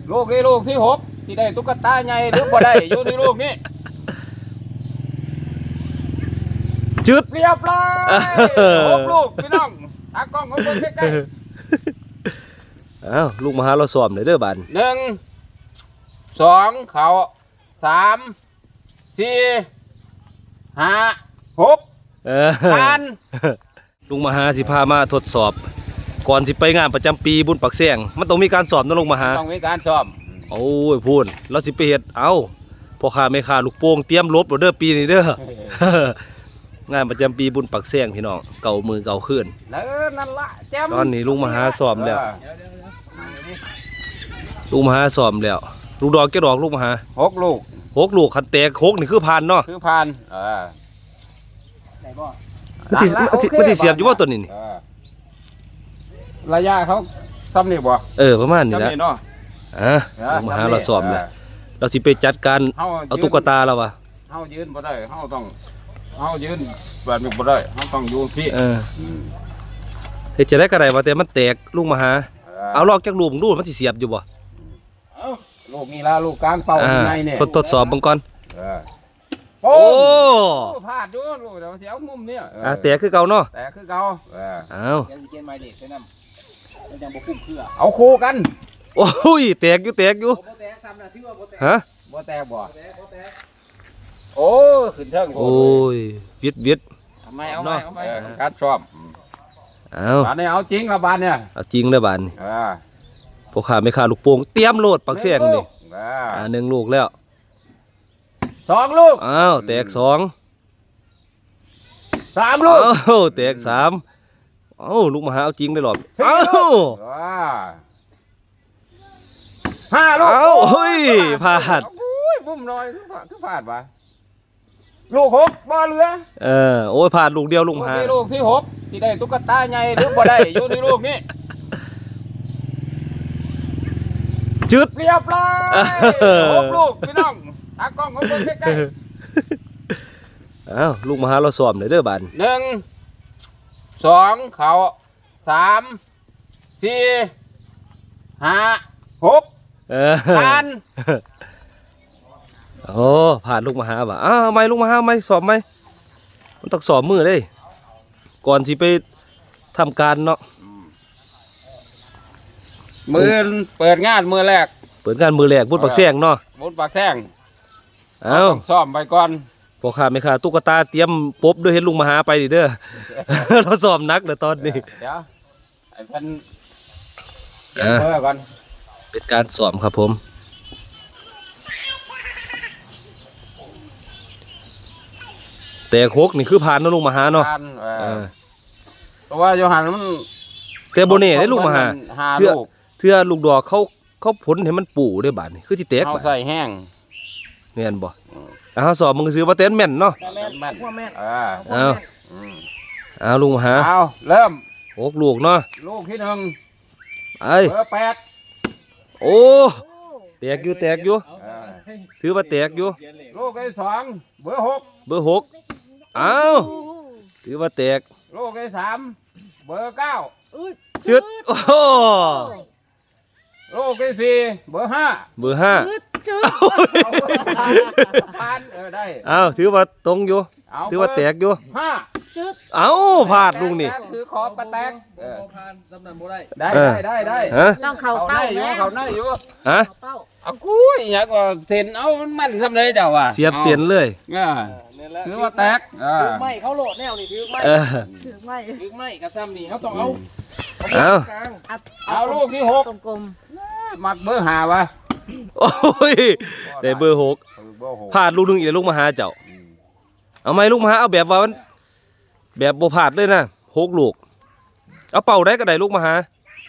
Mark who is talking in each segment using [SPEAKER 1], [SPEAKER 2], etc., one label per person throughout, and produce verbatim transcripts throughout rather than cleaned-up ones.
[SPEAKER 1] ลูกนี้ลูกที่หกที่ได้ตุ๊กตาใหญ่หรือบ่ได้อยู่ที่ลูกนี้
[SPEAKER 2] จุด
[SPEAKER 1] เรียบร้อยหกลูกพี่น้องตากล้องของเบิ่งใกล้
[SPEAKER 2] ๆอ้าวลูกมาหาเราซ้อมเลยเด้อบาน
[SPEAKER 1] หนึ่งสองเขาสามสี่ห้าหกพัน
[SPEAKER 2] ลุงมหาสิพามาทดสอบก่อนสิไปงานประจำปีบุญปักแซงมันต้องมีการสอบนะลุงมหา
[SPEAKER 1] ต้องมีการสอบ
[SPEAKER 2] โอ้ยพูดเราสิไปเฮ็ดเอาพ่อค้าแม่ค้าลูกโป่งเตรียมลบเด้อปีนี้เด้องานประจำปีบุญปักแซงพี่น้องเก่ามือเก่าขึ้น
[SPEAKER 1] นั่นละแจ่ม
[SPEAKER 2] ตอนนี้ลุงมหาสอบแล้วลุงมหาสอบแล้วลูกดอกแก่ดอกลุงมหา
[SPEAKER 1] หกลูก
[SPEAKER 2] หกลูกคันแตกหกนี่คือผ่านเนาะ
[SPEAKER 1] คือผ่านเออ
[SPEAKER 2] มันสิมันสิเสียบอยู่ว่าตัวนี้นี่
[SPEAKER 1] ระยะเขาซ้ำนี่บ่
[SPEAKER 2] เออประมาณนี้นะอ่ะลุงมหาเราสอบแล้วเราสิไปจัดการเอาตุ๊กตาเราวะ
[SPEAKER 1] เฮายืนบ่ได้เฮาต้องเฮายืนแบบนี้บ่ได้เฮาต้องอยู่ที่
[SPEAKER 2] เออเฮ็ดจะได้กระไรวะแต่มันแตกลุงมหาเอาลอกจากลูกดูมันสิเสียบอยู่บ่
[SPEAKER 1] ลูกนี่ละลูกกลางเป่าในเนี่ย
[SPEAKER 2] ทดสอบบังก่อน
[SPEAKER 1] โอ้พลาดดูลูกเดี๋ยวเสียวมุมเนี่ย
[SPEAKER 2] อ่ะแต่คือเก่าเนาะ
[SPEAKER 1] แต่คือเก่า
[SPEAKER 2] เอา
[SPEAKER 1] เอาคู่กัน
[SPEAKER 2] โอ้ยแตกอยู่แตกอยู่ฮะ
[SPEAKER 1] บ่แตกบ่โอ้ขึ้นเทิง
[SPEAKER 2] โอ้ยวิดวิด
[SPEAKER 1] ทำไมเอาไม่เอาไม่การชอบ
[SPEAKER 2] เอา
[SPEAKER 1] บานนี้เอาจริงละบานเนี่ย
[SPEAKER 2] เอาจริงเลยบานนี่พวกข้าไม่ขาลูกโป่งเตรียมโหลดปักเสียงนี่อ่าหนึ่งลูกแล้ว
[SPEAKER 1] สองลูก
[SPEAKER 2] อ้าวแตกสอง
[SPEAKER 1] สามลูก
[SPEAKER 2] อ้าวแตกสามอ้าวลูกมหาเอาจริงได้หรออ้าว
[SPEAKER 1] ห้าลูก
[SPEAKER 2] อ้าวเฮ้ยพลาด
[SPEAKER 1] บุ้มน้อยคือพลาดวะลูกหกบ่เหลือ
[SPEAKER 2] เออโอ้ยพลาดลูกเดียวลูกมหา
[SPEAKER 1] ลูกที่หกที่ได้ตุ๊กตาใหญ่หรือบ่ได้อยู่ที่ลูกนี้
[SPEAKER 2] จุด
[SPEAKER 1] เรียบร้อยหกลูกพี่น้องตากล้องของเบิ่งใกล้
[SPEAKER 2] ๆอ้าวลูกมหาเราสอบเลยเด้อบาน
[SPEAKER 1] หนึ่งสองเขาสามสี่ห้าหกผ่าน
[SPEAKER 2] โอ้ผ่านลูกมหาบ่ะอ้าวไม่ลูกมหาไม่สอบไหมมันต้องสอบมือเลยก่อนสิไปทำการเนาะ
[SPEAKER 1] มือเปิดงานมือแรก
[SPEAKER 2] เปิดงานมือแรกบุญปักแซงเนาะ
[SPEAKER 1] บุญปักแซง
[SPEAKER 2] เอา
[SPEAKER 1] ซ้อมไปก่อน
[SPEAKER 2] พอขาไม่ขาตุ๊กตาเตรียมปบด้วยเห็นลุงมหาไปดิเด้อเราซ้อมนักเด้อตอนนี้
[SPEAKER 1] เดี๋ยวไอ้เพิ่นเปิดเพื่อก่อน
[SPEAKER 2] เป็นการซ้อมครับผมแต่โคกนี่คือผ่านนะลุงมหาเนาะ
[SPEAKER 1] เพราะว่าโยฮันมัน
[SPEAKER 2] แต่โบเน่ได้ลูกมหาเพื่อเพื่อลูกดอกเขาเขาผลเห็นมันปู่ได้บาดนี่คือที่แตก
[SPEAKER 1] บาดใส่แห้ง
[SPEAKER 2] แม่นบ่เอาสอบมึงซื้อว่าเต้นแม่นเนาะ
[SPEAKER 1] แม่นแม่นแม่น
[SPEAKER 2] เอาเอาลุงมหา
[SPEAKER 1] เอาเริ่ม
[SPEAKER 2] โอกลูกเนาะ
[SPEAKER 1] ลูกที่หนึ่ง
[SPEAKER 2] ไอ้
[SPEAKER 1] เบอร์แปด
[SPEAKER 2] โอ้แตกอยู่แตกอยู่ถือว่าแตกอยู่
[SPEAKER 1] ลูกที่สองเบอร์หก
[SPEAKER 2] เบอร์หกเอาถือว่าแตก
[SPEAKER 1] ลูกที่สามเบอร์เก้า
[SPEAKER 2] จุดโอ้
[SPEAKER 1] ลูกที่สี่เบอร์ห้า
[SPEAKER 2] เบอร์ห้า
[SPEAKER 1] ผ่านเออได้
[SPEAKER 2] เอาถือว่าตรงอยู่ถือว่าแตกอยู่
[SPEAKER 1] ห้า
[SPEAKER 2] เอาพลาดลุงนี่
[SPEAKER 1] ถือขอบกระแตก
[SPEAKER 3] ผ่านสำนักบ่ได้
[SPEAKER 1] ได้ได้ได้
[SPEAKER 4] ต้องเข่าเป้า
[SPEAKER 1] อยู่เขาได้อยู่
[SPEAKER 2] ฮะ
[SPEAKER 1] เอากุ้ยอยากว่าเส้นเอามันทำเลยเจ้าว่ะ
[SPEAKER 2] เสียบเสียนเลย
[SPEAKER 1] ถือว่าแตก
[SPEAKER 3] ถือไม่เขาโหลดแนวนี่ถือไม่
[SPEAKER 4] ถือไม่
[SPEAKER 3] ถือไม่กระซ้ำนี่เขาต้องเอา
[SPEAKER 2] เอา
[SPEAKER 1] เอาลูกที่หก
[SPEAKER 4] กลม
[SPEAKER 1] ๆมักเบอร์ห้าวะ
[SPEAKER 2] โอ้ยได้เบอร์หกพลาดลูกนึงอีกลูกมาหาเจ้าเอาไหมลูกมาหาเอาแบบว่ามันแบบโบพลาดเลยนะหกลูกเอาเป่าได้ก็ได้ลูกมาหา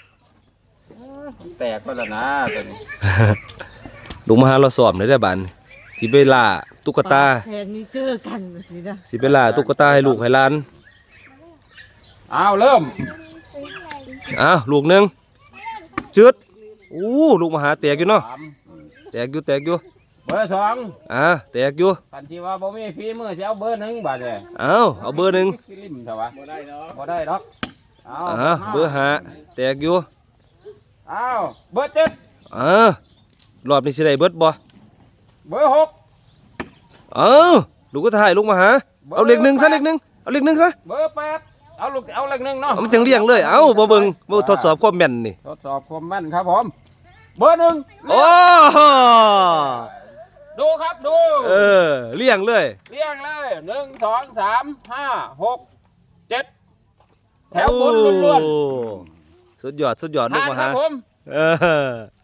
[SPEAKER 1] แตกก็แล้วนะตัวนี้
[SPEAKER 2] ลูกมาหาเราสอบในได้บ้านสิเวลาตุ๊กตา
[SPEAKER 4] แทนนี่เจอกันสินะ
[SPEAKER 2] สิเวลาตุ๊กตาให้ลูกให้หลาน
[SPEAKER 1] เอาเริ่ม
[SPEAKER 2] อ้าวลูกหนึ่งชืดอู้ลูกมาหาแตกอยู่เนาะแตกอยู่แตกอยู่
[SPEAKER 1] เบอร์สอง
[SPEAKER 2] อ่าแตกอยู่
[SPEAKER 1] กันที่ว่าบ่มีฝีมือจะเอาเบอร์หนึ่งบาทเลย
[SPEAKER 2] เอาเอาเบอร์หนึ่ง
[SPEAKER 1] ริมเถอะวะบ่ได้ดอกบ่ได้ดอก
[SPEAKER 2] เอาเบอร์ห้าแตกอยู่
[SPEAKER 1] เอาเบอร์เจ็ด
[SPEAKER 2] อ่ารอบนี้สิได้เบิดบ่
[SPEAKER 1] เบอร์หก
[SPEAKER 2] เอ้าลูกก็ถ่ายลูกมาหาเอาเลขหนึ่งซะเลขหนึ่งเอาเลขหนึ่งซะ
[SPEAKER 1] เบอร์แปดเอาลูกเอาเลขหนึ่งเนาะ
[SPEAKER 2] เอามันจังเรียงเลยเอ้าบ่เบิ่งบ่ทดสอบความแม่นนี่
[SPEAKER 1] ทดสอบความแม่นครับผมเบอร์หนึ่ง
[SPEAKER 2] โอ้
[SPEAKER 1] ดูครับดู
[SPEAKER 2] เออเรียงเลย
[SPEAKER 1] เรียงเลยหนึ่งสองสามห้าหกเจ็ดแถวบนล้วน
[SPEAKER 2] โอ้สุดยอดสุดยอด
[SPEAKER 1] ๆ
[SPEAKER 2] ลูก
[SPEAKER 1] ผ่าน
[SPEAKER 2] มา
[SPEAKER 1] ครั
[SPEAKER 2] หา
[SPEAKER 1] บผม
[SPEAKER 2] เออ